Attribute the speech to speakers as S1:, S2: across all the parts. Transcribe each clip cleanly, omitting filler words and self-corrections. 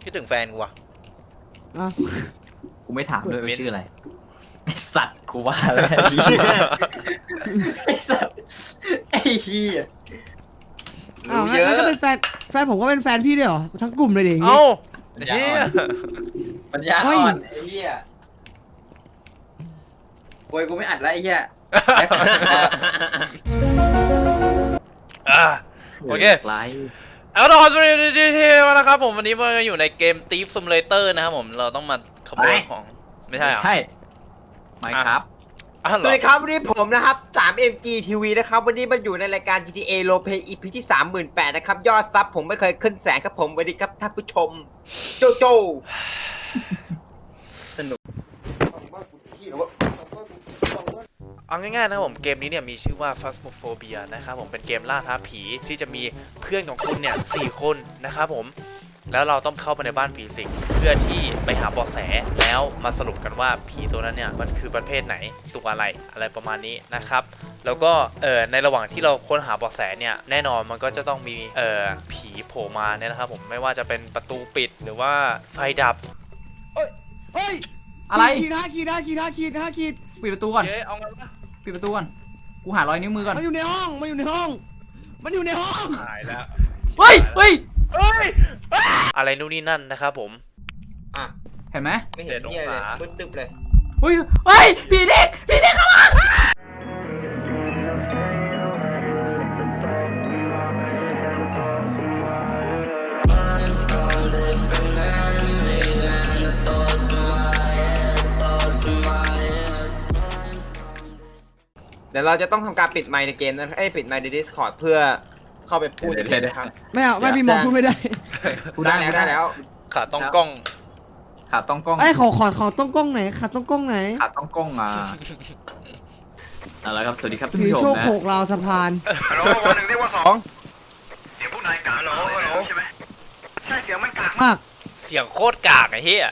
S1: คิดถึงแฟนกูว่ะ
S2: อ้าว
S3: กูไม่ถามด้วยว่าชื่ออะไรไอสัตว์กูว่าแล้วไอสัตว์ไอ้เหี้ย
S2: อ้าว
S4: รู้เยอะ
S2: งั้นก็เป็นแฟนผมก็เป็นแฟนพี่ด้วยเหรอทั้งกลุ่มเลยดิอย่างงี้
S1: เอ้า
S3: ปัญญา
S1: เฮี
S3: อ่
S1: ย
S3: อนปัญญาอ่อนไอ้เหี้ยโวยกูไม่อัดแล้วไอ้เหี้ย
S1: อ่ะโอเค
S3: ไลฟ์
S1: เอาละครับสวัสดีมาแล้วครับผมวันนี้มาอยู่ในเกม Thief Simulator นะครับผมเราต้องมาขโมยของไม่ใช่เหรอ
S3: ใช่ไม่ครับ
S1: อ่ะเหร
S4: ส
S1: อ
S4: วัสดีครับวันนี้ผมนะครับ 3MG TV นะครับวันนี้มันอยู่ในรายการ GTA Roleplay EP ที่ 38,000 นะครับยอดซับผมไม่เคยขึ้นแสนครับผมสวัสดีครับท่านผู้ชมโจโจสนุก
S1: เอาง่ายๆนะครับผมเกมนี้เนี่ยมีชื่อว่า Phasmophobia นะครับผมเป็นเกมล่าท้าผีที่จะมีเพื่อนของคุณเนี่ย4 คนนะครับผมแล้วเราต้องเข้าไปในบ้านผีสิงเพื่อที่ไปหาเบาะแสแล้วมาสรุปกันว่าผีตัวนั้นเนี่ยมันคือประเภทไหนตัวอะไรประมาณนี้นะครับแล้วก็ในระหว่างที่เราค้นหาเบาะแสเนี่ยแน่นอนมันก็จะต้องมีผีโผล่มาเนี่ยนะครับผมไม่ว่าจะเป็นประตูปิดหรือว่าไฟดับ
S2: เฮ้ย
S3: อะไร
S2: ขีด5 ขีด
S3: ปิดประตูก่อน
S1: เจ๊เอางั้นปะ
S3: ปิดประตูก่อนกูหารอยนิ้วมือก่อน
S2: มันอยู่ในห้องมันอยู่ในห้อง
S1: หายแล้ว
S3: เฮ้ยเฮ้ย
S1: อะไรนู่นนี่นั่นนะครับผม
S4: อ่ะ
S3: เห็นไหม
S4: ไม่เห็นเนี่ยเลยมืดตึ๊บเลย
S3: เฮ้ยเฮ้ยผีเด็กข้างหลัง
S4: เดี๋ยวเราจะต้องทำการปิดไมค์ในเกมนะปิดไมค์ใน Discord เพื่อเข้าไปพูดในเกมนะครับ
S2: ไม่เอาไม่พี่มองพูดไม่ได้
S3: กู
S4: ได้แล้ว
S1: ขาต้องกล้อง
S3: ขาต้องกล้อง
S2: ไอ้ยขอต้องกล้องไหนขาต้องกล้องไหน
S3: ขาต้องกล้องอ่ะเอาละครับสวัสดีครับท่าน
S2: สี
S3: ผู้ช
S2: โช
S3: ม
S2: ค
S3: นะ
S2: โขกราวสะพาน
S5: ฮัลโหลวันหนึ่งเรียกว่า2เสียงผู้นายกากฮัลโหลใช่ไหมใช่เสียงมันกากมาก
S2: มาก
S1: เสียงโคตรกากไอ้เหี้ย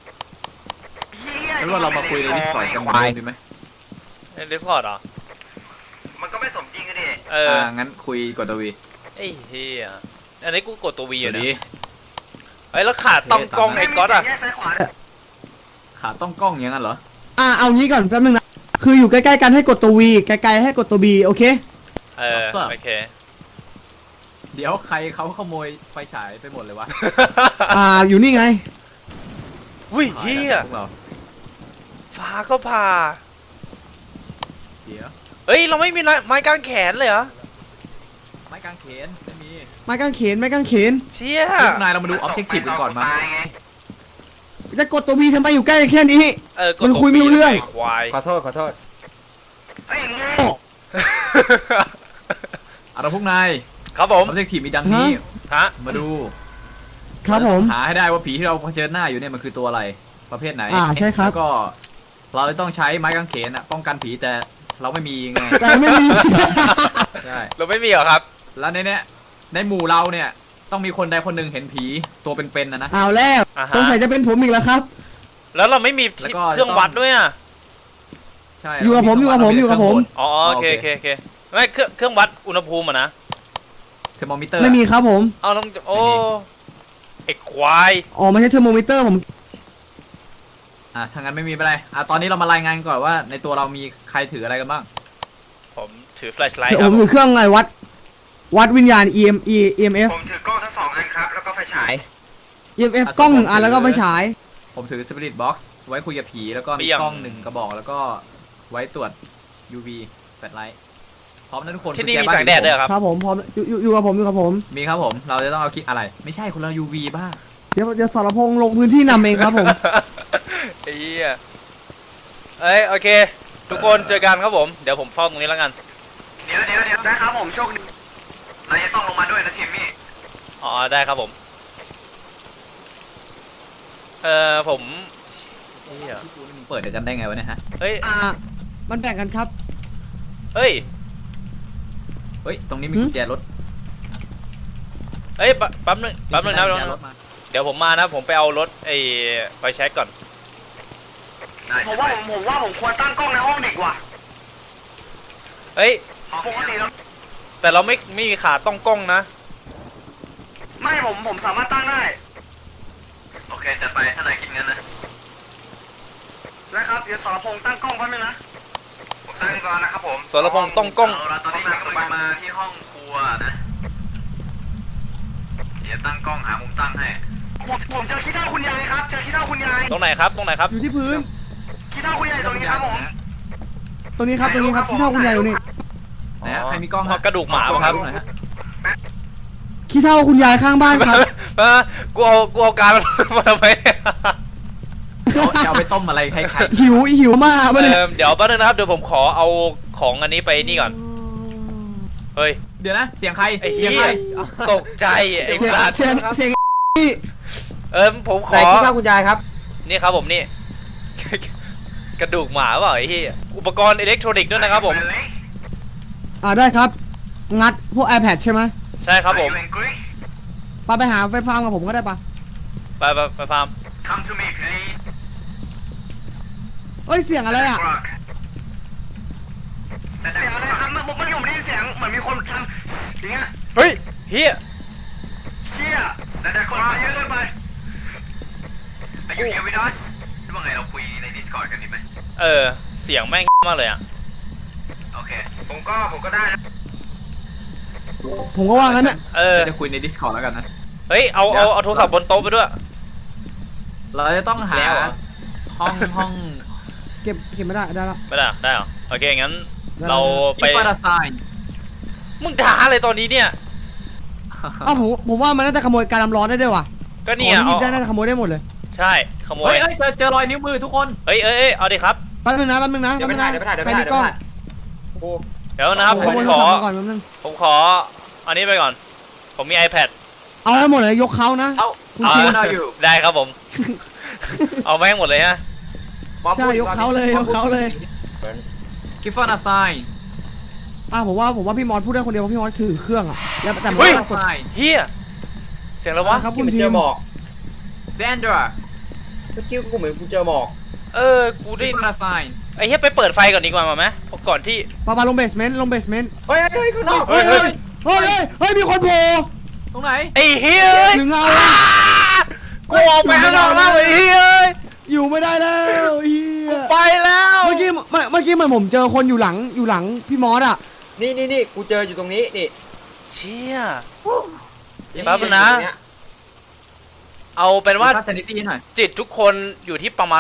S3: งั้นว่าเรามาคุยใน Discord กันไหมดีไหม
S1: ใน Discord เหรอ
S5: มันก็ไม่สมจริงกันดิ
S3: งั้นคุยกดตัววี
S1: ไอ้เหี้ยอันนี้กูกดตัว V
S3: ส
S1: อยู่
S3: วัส
S1: นะ
S3: ดี
S1: เฮ้ยแล้วขาต้องกล้องไอ้ก๊อตอะ
S5: แยกซ้ายขวา
S3: ขาต้องกล้องอย่างนั้นเหรอ
S2: เอางี้ก่อนแป๊บนึงนะคืออยู่ใกล้ๆกันให้กดตัว V ไกลๆให้กดตัว B โอเค
S1: โอเค
S3: เดี๋ยวใครเขาขโมยไฟฉายไปหมดเลยวะ
S2: อยู่นี่ไง
S1: อุ้ยเหี้ย
S3: พวกเรา
S1: ฟ้าก็ผ่า
S3: เดี๋ยว
S1: เฮ้ยเราไม่มีไม้กางแขนเลยเหรอ
S3: ไม้กางเขนไม่มี
S2: ไม้กางเขน
S1: เชี่ย
S3: พวกนายเรามาดู objective กันก่อนมา
S5: ตายไง
S2: จะกดตัว V ทำไมอยู่ใกล้แค่นี้
S1: กด
S2: มัน
S1: ตัว
S2: คุยไม่รู้เรื่อง
S1: ไควาย
S4: ขอโทษ
S5: เฮ้ยงี้
S3: เอาละพวกนาย
S1: ครับผม
S3: objective มีดังนี้
S1: ฮะ
S3: มาดู
S2: ครับผม
S3: หาให้ได้ว่าผีที่เราเผชิญหน้าอยู่เนี่ยมันคือตัวอะไรประเภทไหน
S2: ใช่ครับ
S3: แล้วก็เราจะต้องใช้ไม้กางเขนอะป้องกันผีแต่เราไม่มีไง
S2: แต่ไม่มี
S3: ใช่
S1: เราไม่มีเหรอครับ
S3: แล้วในเนี้ยในหมู่เราเนี่ยต้องมีคนใดคนหนึ่งเห็นผีตัวเป็นๆนะ
S2: เอาแล้ว
S1: อ่าฮะ
S2: สงสัยจะเป็นผมอีกแล้วครับ
S1: แล้วเราไม่มี
S3: แล้วก็
S1: เครื่องวัดด้วยอ่ะ
S3: ใช่
S2: อยู่กับผม
S1: อ๋อโอเคไม่เครื่องวัดอุณหภูมิอ่ะนะ
S3: เทอร์โมมิเตอร์
S2: ไม่มีครับผม
S1: เอาต้องโอ้ไอ้ควาย
S2: อ๋อไม่ใช่เทอร์โมมิเตอร์ผม
S3: ถ้างั้นไม่มีอะไรตอนนี้เรามารายงานก่อนว่าในตัวเรามีใครถืออะไรกันบ้าง
S1: ผมถือแฟลชไลท์
S2: เดี๋ยว
S1: ค
S2: ผ
S1: รับ
S2: มอยู่เครื่องไงวัดวิญญาณ EMF
S5: ผมถือกล้องทั้ง2 อันครับ แล้วก็ไฟฉาย
S2: EMF กล้อง1 อันแล้วก็ไฟฉาย
S3: ผมถือ Spirit Box ไว้คุยกับผีแล้วก็มีกล้อง1 กระบอกแล้วก็ไว้ตรวจ UV แฟลชไลท์พร้อมนะทุกคน
S1: ที่นี่
S3: กุญ
S1: มี
S3: บ้า
S1: แสงแดดด้วยเหรอครับ
S2: ครับผมพร้อมอยู่กับผม
S3: มีครับผมเราจะต้องเอาคิดอะไร ไม่ใช่คนเรา UV บ้า
S2: เดี๋ยวสรพงษ์ลงพื้นที่นำเองครับผม
S1: ไอ้เหี้ยโอเค ทุกคนเจอกันครับผมเดี๋ยวผมเฝ้าตรงนี้แล้วกัน
S5: เดี๋ยวนะครับผมโชคดีเราจะต้องลงมาด้วยนะทีมมี่
S1: อ๋อได้ครับผมผมเหี้ย
S3: เปิดเดี๋ยวกันได้ไงวะเนี่ยฮะ
S1: เฮ้ย
S2: มันแบ่งกันครับ
S1: เฮ้ย
S3: เฮ้ยตรงนี้มีกุญแจรถ
S1: เฮ้ยแป๊บนึงนะ
S3: กุญแจรถมา
S1: เดี๋ยวผมมานะผมไปเอารถไปเช็คก่อน
S5: ผมว่าผมควรตั้งกล้องในห้องเด็กว่ะ
S1: เฮ้ย
S5: ปกติแล้ว
S1: แต่เราไม่มีขาต้องกล้องนะ
S5: ไม่ผมสามารถตั้งได้จัดไปถ้านายคิดงั้นนะนะครับเดี๋ยวสรพงษ์ตั้งกล้องแป๊บนึงนะผมตั้งก่อนนะครับผม
S1: สรพงษ์ต้องกล้อง
S5: ตอนนี้นายกำลังมาที่ห้องครัวนะเดี๋ยวตั้งกล้องหามุมตั้งให้ผมเจอขี้เถ้าคุณยายครับเจอขี้เถ้าคุณยาย
S1: ตรงไหนครับตรงไหนครับ
S2: อยู่ที่พื้น
S5: ขี้เถ้าคุณยายตรงนี้ครับผม
S2: ตรงนี้ครับที่เท่าคุณยายอยู่นี่
S3: ไหนฮะใครมีกล้อง
S1: กระดูกหมาป่ะครับ
S3: หน่อยฮะ
S2: ขี้เท่าคุณยายข้างบ้านครับ
S1: กูเอาการมาทำไม
S3: จะเอาไปต้มอะไรให้ใคร
S2: หิวมากมาเนี่ย
S1: เดี๋ยวแป๊บนึงนะครับเดี๋ยวผมขอเอาของอันนี้ไปนี่ก่อนเฮ้ย
S3: เดี๋ยวนะเสียงใคร
S1: ไอ้
S3: เสี
S1: เหี้
S3: ยงใคร
S1: ยตกใจไอ้
S2: เสียง
S1: สัตว์
S2: เสียง
S1: ผมข
S4: ไหน
S1: อ
S4: คิดว่าคุณยายครับ
S1: นี่ครับผมนี่ กระดูกหมาเปล่าไอ้เหี้ยอุปกรณ์อิเล็กทรอนิกส์ด้วยนะครับผม
S2: ได้ครับ งัดพวก iPad ใช่ไหม
S1: ใช่ครับผม
S2: ไปหาไฟฟาร์มกับผมก็ได้ปะ
S1: ไปฟาร์ม
S5: Come to me please
S2: เอ้ยเสียงอะไรอ่ะ
S5: เสียงอะไรครับผมไม่ได้ยินเสียงเหมือนมีคนทำอย่างเงี้ย
S1: เฮ้ยเฮีย
S5: เชี่ยแต่คนมาเยอะเกินไปอายุเดียวไม่ได้ว่าไงเราคุยใน Discord กันดีไหม
S1: เสียงแม่งมากเลยอ่ะ
S5: โอเคผมก็ได้นะ
S2: ผมก็ว่างั้นน่ะ
S3: จะคุยใน Discord แล้วกันนะ
S1: เฮ้ยเอาโทรศัพท์บนโต๊ะไปด้วย
S3: เราจะต้องหา
S1: แล้วเหรอ
S3: ห้อง
S2: เก็บไม่ได้ได้ละ
S1: ไม่ได้ได้เหรอโอเคงั้น
S2: ได้
S1: เรา
S3: อิ
S1: ไป
S3: นฟราไซน์
S1: มึงด่าอะไรตอนนี้เนี่ย
S2: อ้าวผมว่ามันน่าจะขโมยการน้ำร้อนได้ด้วยว่ะ
S1: ก็
S2: ข
S1: นี่
S2: อง
S1: อ่ะ
S2: ที่หยิบได้น่าจะขโมยได้หมดเลย
S1: ใช่ขโม
S3: เฮ้
S1: ย
S3: ยเจอรอยนิ้วมือทุกคน
S1: เอ้ยเอาดิครับ
S2: แป๊บนึงนะ
S4: เดี๋ยวไปถ่ายเดี๋ยวไปถ่ายเดี๋ยว
S2: ใค
S4: ไป
S2: ร
S4: ถ่าย
S2: มีกล้อง
S4: โอ้
S1: เดี๋ยวนะครับ
S2: ข
S1: ผม
S2: โมย
S1: ข
S2: โทร
S1: อ
S2: ศัพท์มาก่อนแป๊บนึง
S1: ผมขออันนี้ไปก่อน ผมมี iPad
S2: เอาให้หมดเลยยกเขานะ
S3: เอ้า
S2: คุณ
S3: เอา
S2: คิว
S3: เราอยู่
S1: ได้ครับผม เอาแม่งหมดเลยฮะ
S2: ใช่ยกเขาเลยยกเขาเลย
S3: กิฟฟราไซน์
S2: ผมว่าพี่มอสพูดได้คนเดียวเพราะพี่มอสถือเครื่องอะแล้วแต่
S1: เฮ้ย
S2: กด
S1: เฮียเสียงแล้ววะ
S2: ครับ
S4: คุ
S2: คุณ ณ
S4: เจ
S2: ที
S4: อ
S2: ม
S4: หมอก
S3: แซนดรา
S4: เมื่อกี้กูเหมือนกูเจอหมอก
S1: กู
S3: กิ
S1: ได้
S3: ฟฟราไซน์
S1: ไอ้เฮียไปเปิดไฟก่อนดีกว่าไหมเพราะก่อนที่
S2: ปาลงเบสเมนต์
S4: เฮ้ยข้างนอก
S1: เฮ้ย
S2: เฮ้ยมีคนโผล่
S3: ตรงไหน
S1: ไอ้เฮีย
S2: หนึ่งเงา
S1: กูออกไปข้างนอกแล้วไอ้เฮีย
S2: อยู่ไม่ได้แล้วเฮีย
S1: ไปแล้ว
S2: เมื่อกี้เหมือนผมเจอคนอยู่หลังพี่มอสอะ
S4: นี่กูเจออยู่ตรงนี้นี่
S1: เชี่ย แป๊บนึงนะ เอาเป็นว่า
S3: ค่าซนิตี้หน่อย
S1: จิตทุกคนอยู่ที่ประมาณ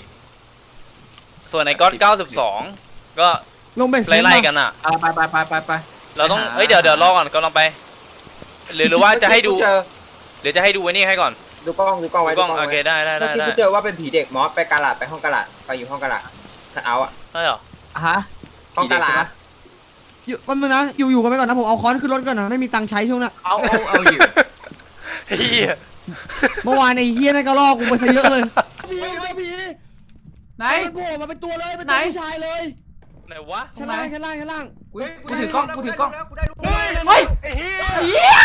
S1: 80 ส่วนไอ้ก๊อต92 ก็
S2: ลงเบสเมนต์
S1: ไล่ๆกันอ่ะ
S3: ไป
S1: เราต้องเดี๋ยวรอก่อนก็ลองไป หรือว่าจะให้ดู
S4: เมื่อกี้กูเจอ
S1: เดี๋ยวจะให้ดูไว้นี่ให้ก่อน
S4: ดูกล้องไว้
S1: กล้องโอเคได้
S4: เมื่อกี้กูเจอว่าเป็นผีเด็กมอสไปกาลาดไปห้องกาลาดไปอยู่ห้องกาลาดคัทเอาท์อะ
S1: ได้เหรอ
S3: ฮะ
S4: ห้องกาลาด
S2: อยู่แป๊บนึงนะอยู่กันไปก่อนนะผมเอาค้อนขึ้นรถก่อนนะไม่มีตังค์ใช้ช่วงน่ะ
S3: เอาอยู่
S1: เฮีย
S2: เมื่อวานไอ้เฮียนั่นก็ล่อกูไปซะเยอะเลยผี
S3: ไหน
S2: มันโผล่มาเป็นตัวเลยเป็นตัวผู้ชายเลย
S1: ไหนวะ
S2: ชั้นล่าง
S3: กูถือกล้องกูถือกล้อง
S4: กูได้รูปแล้ว
S2: เฮ้ย
S5: ไอ้เหี้ย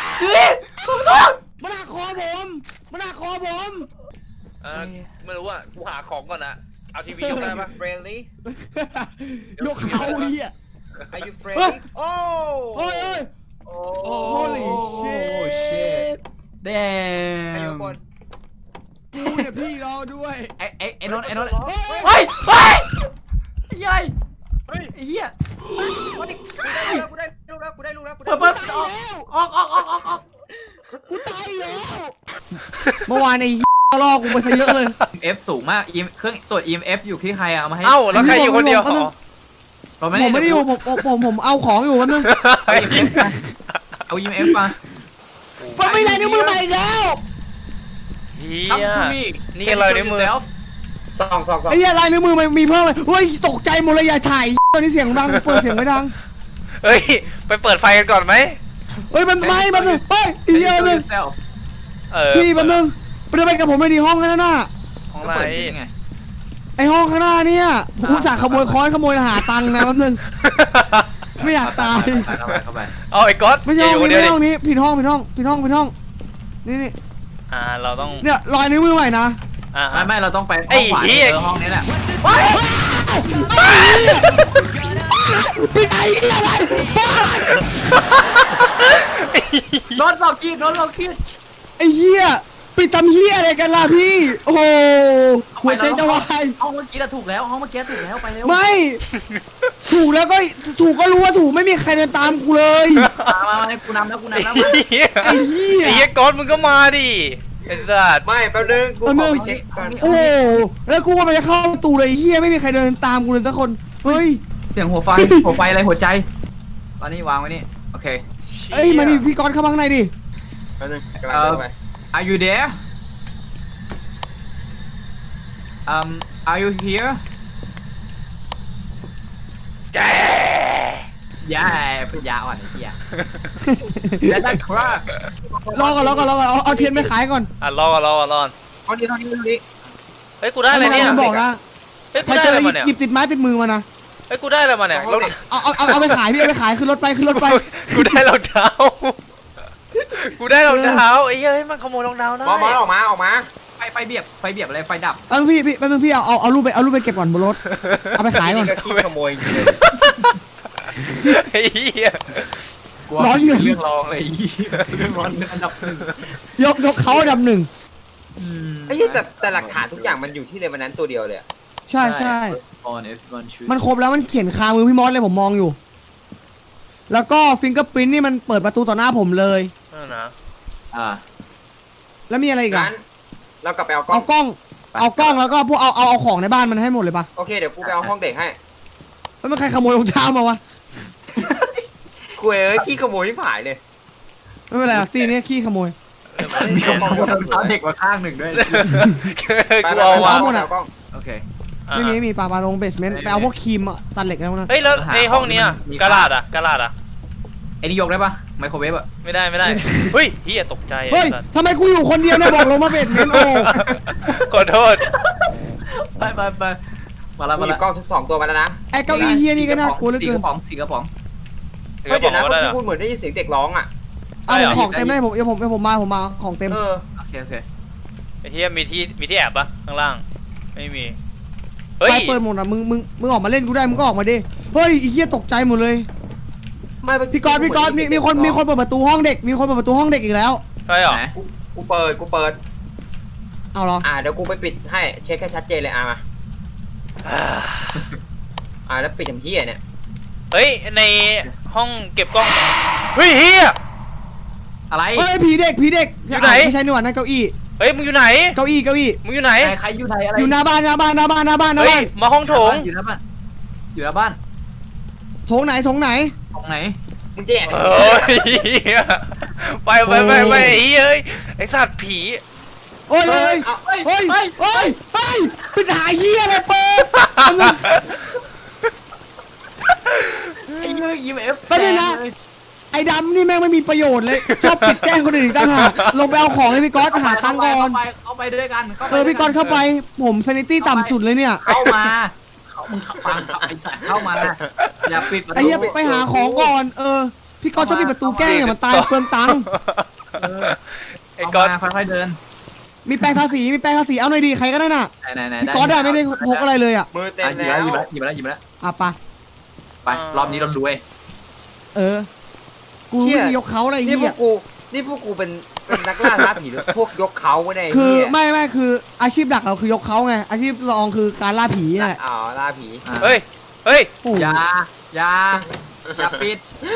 S2: มันหักคอผม
S1: ไม่รู้ว่ากูหาของก่อนนะเอาทีวียกได้ปะ
S4: เฟรนลี่
S2: ยกเขาเฮีย
S4: Are you friendly โอ้
S2: โอ้ย
S4: โอ้
S2: holy shit
S3: แด
S4: ไอ้
S3: ม
S4: ทุกคน
S2: กูเนี่ยพี่รอด้วย
S3: ไอ้นนท์
S2: เฮ้ย
S3: เฮ้ยใหญ่ไอ้เหี้ย
S4: กูได้รูปแล้วกูได้รูปแล้ว
S3: เปิดออก
S2: กูตายแล้วเมื่อวานไอ้เฮียก็ล่อกูไปซะเยอะเลย
S3: F สูงมากเครื่องตรวจ EMF อยู่ที่ใครเอามาให้
S1: เอ้าแล้วใครอยู่คนเดียว
S2: ผมไม่ได้อยู่ผมเอาของอยู่แป๊บนึง
S3: เอา EMF มา
S2: มันไม่ได้นิ้วมือใหม่อีกแล้ว
S1: เฮีย
S3: Come to me
S1: นี่อะไรในมือ
S4: สอง
S2: ไอ้เหี้ยลายนิ้วมือมันมีเพิ่มเลยเฮ้ยตกใจหมดเลยอย่าถ่ายตอนนี้เสียงดังเปิดเสียงไม่ดัง
S1: เฮ้ยไปเปิดไฟกันก่อนไหม
S2: เฮ้ยมันไม่แป๊บนึงเฮ้ยอีเดียวนึง พี่แป๊บนึงไปเดินไปกับผมไปดีห้องนั่นน่ะ
S1: ห้อง
S3: ก็
S1: ไหน
S3: เปิดยังไง
S2: ไอห้องข้างหน้าเนี่ยผมอุตส่าห์ขโมยค้อนขโมยหาตังค์นะแป๊บนึงไม่อยากตาย
S3: เข้าไป
S1: เอาไอ้ก๊อต
S2: ไม่ใช่ห้อง
S1: ยู่
S2: นี้
S1: คนเดียว
S2: ไม่ห้องนี้ผิดห้องนี่
S1: เราต้อง
S2: เนี่ยรอยนิ้วมือใหม่นะ
S3: ไม่เราต้องไป
S1: ไอ้
S3: ห้องขวา
S1: เหี้ย
S3: เจอห้องนี้แหละ
S2: พี่ไอ้อะไร
S3: โดนหลอกกิน
S2: ไอ้เหี้ยไปปิดทำเฮียอะไรกันล่ะพี่โอ้โหหัวใจจะวาย
S3: ห้องเมื่อกี้ถูกแล้วห้องเมื่อกี้ถูกแล้วไปเร็ว
S2: ไม่ ถูกแล้วก็ถูกก็รู้ว่าถูกไม่มีใครเดินตามกูเลย
S3: มากูนำแล้วกูนำแล้ว
S1: ไอ้เหี้ย
S2: ไอ้เหี้ย
S1: ไอ้เหี้ยก๊อตมึงก็มาดิไอ้สัตว์
S4: ไม่แป๊บนึงกูขอไปเช็คก่อน
S2: โอ้โหแล้วกูก็มันจะเข้าประตูเลยไอ้เฮียไม่มีใครเดินตามกูเลยสักคนเฮ้ย
S3: เสียงหัวไฟอะไรหัวใจตอนนี้วางไว้นี่โอเค
S2: เอ้ยมาดิพี่กรณ์เข้ามาข้างในดิ
S4: แป๊บนึงกำลังเข้าไป
S3: Are you there Are you here
S1: แก
S3: ย่าพยาอ่อนไอ้เหี้ยแล้วได้ครับ
S2: รอก่อนเอาเทียนไปขายก่อน
S1: อ่ะรอก่อน
S4: เอาดีเท่านี้
S1: เฮ้ยกูได้อะไรเนี่ย
S2: มันบอกนะ
S1: เฮ้ย
S2: ใค
S1: กู
S2: ร
S1: ได้
S2: เจอ
S1: อะไร
S2: อะไร
S1: มาเนี่ย
S2: หยิบติดไม้ติดมือมานะ
S1: เฮ้ยกูได้อะไรมาเนี่ยรถ
S2: เอาไปขายพี่เอาไปขายขึ้นรถไป
S1: กูได้รองเท้ากูได้รองเท้าไอ้เหี้ยเฮ้ยมันขโมยรองเท้าได้
S4: มอออกมา
S3: ไฟเบียบอะไรไฟดับ
S2: พี่แป๊บนึงพี่เอารูปไปเก็บก่อนบนรถเอาไปขายก่อน
S4: นี่ก็ขี้ขโมยจริงเลย
S1: ไอ้เหี้ย
S2: ร้อนเงิน
S3: เรื่องรองเลยเรื่องร้อนอันดับหนึ่ง
S2: ยกเขาอันดับหนึ่ง
S4: ไอ้เหี้ยแต่หลักฐานทุกอย่างมันอยู่ที่เลวันนั้นตัวเดียวเลยอะ
S2: ใช่
S3: on F1 shoot
S2: มันครบแล้วมันเขียนคามือพี่มอสเลยผมมองอยู่ แล้วก็ฟิงเกอร์พรินท์นี่มันเปิดประตูต่อหน้าผมเลย
S1: นั่นนะ
S2: แล้วมีอะไรอีกอะ
S4: งั้นเรากลับไปเอากล้อ
S2: เอา
S4: ง
S2: กล้องแล้วก็พวกเอาของในบ้านมันให้หมดเลยปะ
S4: โอเคเดี๋ยวกูไปเอาห้องเด็กให้
S2: แล้วมันใครขโมยรองเท้ามาวะ
S4: กูเอ้ยขี้ขโมยที่ผายเลย
S2: ไม่เป็นไรหรอกตีนี้ขี้ขโมย
S3: ไอ้สัตว์มีของเอาเด็กมาข้างหนึ่งด้วย
S1: กูเอา
S2: วะ
S1: วะ
S4: เอากล้อง
S3: โอเค
S2: ไม่มีปลาลงเบสเมนต์ไปเอาพวกครีมอะตัดเหล็กแล้วนะ
S1: เฮ้ยแล้วในห้องเนี้ย
S3: มี
S1: กระดาษอะ
S3: ไอ้นี่ยกได้ปะไมโครเวฟอะ
S1: ไม่ได้เฮ้ยเฮียตกใจ
S2: เฮ้ย
S1: ไอ้สัตว์
S2: ทำไมกูอยู่คนเดียวเนี่ยบอกลงมาเบสเมนต์โอ้
S1: ขอโทษ
S3: ไปมา
S4: กู
S3: ละ
S4: หยิบกล้องทุก2ตัวมาแล้วนะ
S2: ไอ้เก้าอี้เฮียนี่ก็น่ากลัวเหลือ
S3: สี่
S2: เกิ
S3: ก
S2: น
S3: ระป๋องสี่กระป๋อง
S4: เฮ้ยเดี๋ยวนะ
S1: ก็
S4: เมื่อ
S1: ได้
S4: กี้
S1: เหรอ
S4: พูดเหมือนได้ยินเสียงเด็กร้องอ่ะ
S2: เอา
S1: ได้เหรอ
S2: ของเต็มเลยผมมาของเต็ม
S4: เออ
S3: โอเค
S1: ไอ้เฮียมีที่แอบปะข้างล่างไม่มีเฮ้ย
S2: ไฟเปิดหมดอ่ะมึงออกมาเล่นกูได้มึงก็ออกมาดิเฮ้ยไอ้เฮียตกใจหมดเลย
S4: ไม่เมื่อ
S2: พี่กรณ์มีคนเปิดประตูห้องเด็กมีคนเปิดประตูห้องเด็กอีกแล้ว
S1: ใช่เหรอ
S4: กูเปิด
S2: เอาเหรอ
S4: เดี๋ยวกูไปปิดให้เช็คให้ชัดเจนเลยมาแล้วปิดทำเหี้ยเนี่ย
S1: เฮ้ยในห้องเก็บกล้องเฮ้ยเฮีย
S3: อะไร
S2: เฮ้ยผีเด็ก
S1: อยู่ไหน
S2: ไม่ใช่นี่หว่านั่นเก้าอี้
S1: เฮ้ยมึงอยู่ไหน
S2: เก้าอี้
S1: มึงอยู่ไหน
S3: ใครอยู่ไหนอะไร
S2: อยู่หน้าบ้าน
S1: เฮ้ยมาห้องโถง
S3: อยู่หน้าบ้านอยู่หน้าบ้าน
S2: โถงไหน
S3: ตรงไหน
S4: มึงแย่
S1: โอ้ยเหี้ยไปไอ้เหี้ยเอ้ยไอสัตว์ผี
S2: โอ้ยปิดหาเฮียอะไรเปิด
S3: ไอ้เรื่อง EMF
S2: ไปเลยนะไอ้ดำนี่แม่งไม่มีประโยชน์เลยชอบปิดแกล้งคนอื่นอีกต่างหากลงไปเอาของให้พี่ก๊อตหาตังค์ก่อน
S3: เข้าไปด้วยกัน
S2: พี่ก๊อตเข้าไปผมซนิตี้ต่ำสุดเลยเนี่ย
S3: เข้ามามึงฟังไอ้สัตว์เข้ามาอย่าปิด
S2: ไอ้เหี้ยไปหาของก่อนพี่ก๊อตชอบปิดประตูแกล้งเนี่ยมันตายเปลืองตังค์
S1: ไอ้ก๊อต
S3: ค่อยๆเดิน
S2: มีแปรงทาสีเอาหน่อยดีใครก็ได้น่ะ
S3: ไหน
S2: พี่ก๊อตอะไม่ได้พกอะไรเลยอ่ะ
S4: มือเต็ม
S3: หยิบ
S4: แล้ว
S3: หยิบแล้ว
S2: อ่ะไป
S3: ไปรอบนี้เรารวย
S2: กูไม่ได้ยกเขาอะไร
S4: นี่พ
S2: เหี้
S4: วย กกูเป็นนักล่าท้าผีหรือพวกยกเขาไม่ได้
S2: คือไม่คืออาชีพหลักเราคือยกเขาไงอาชีพรองคือการล่าผีนี่แหละ
S4: ล่าผี
S1: เฮ้ย
S2: โอ้
S3: อย่าปิด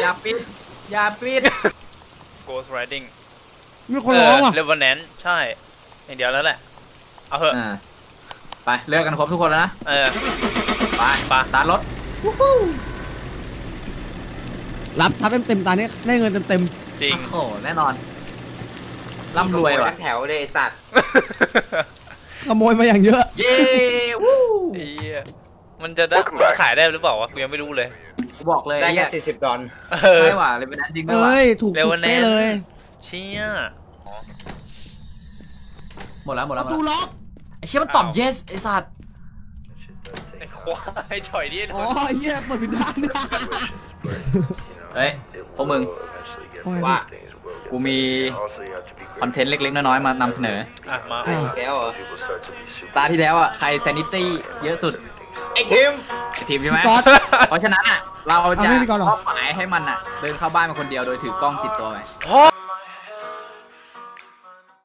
S1: Ghost Riding
S2: มีคนร้องว่ะ
S1: Revenant ใช่อย่างเดียวแล้วแหละเอาเหอะ
S3: ไปเลิกกันครบทุกคนแล้วนะ ไปตารถ
S2: รับทับเต็มตาเนี้ยได้เงินเต็ม
S1: จริง
S3: โอ้แน่นอนร่ำรวยว่ะ
S4: ทั้งแถวเลยไอ้สัตว์
S2: ขโมยมาอย่างเยอะ
S3: เย้วู้
S1: ไอ้เหี้ยมันจะได้ขายได้หรือเปล่าวะกูยังไม่รู้เลย
S3: กูบอกเลย
S4: ได้
S3: ไอ้
S4: แค่
S3: เหี้ย
S4: $40
S3: ไม่หว่าเลยเป็นนั้นจริงด้วยว่ะ
S2: ถูกเป๊ะเลย
S1: เชี่ย
S3: หมดแล้ว
S2: ประตูล็อก
S3: ไอ้เชี่ยมันตอบ yes ไอ้สัตว์
S1: ไอ้ควายถอยดิ
S2: อ๋อเหี้ยเปิดผิดด้าน
S3: เฮ้ยพวกมึง
S4: ว่า
S3: กูมีคอนเทนต์เล็กๆน้อยๆมานำเสนอ
S1: มา
S4: อีกแล้วเหรอ
S3: ตาที่แล้วอ่ะใคร sanity เยอะสุด
S4: ไอ้ทีม
S3: ไอ้ทีมใช่ไหม
S2: ก๊อต
S3: เพราะฉะนั้นอ่ะเราจะ
S2: เอาไม่มีก่อนเหรอ
S3: มอบหมายให้มันอ่ะเดินเข้าบ้านมาคนเดียวโดยถือกล้องติดตัวไป
S1: พ่อ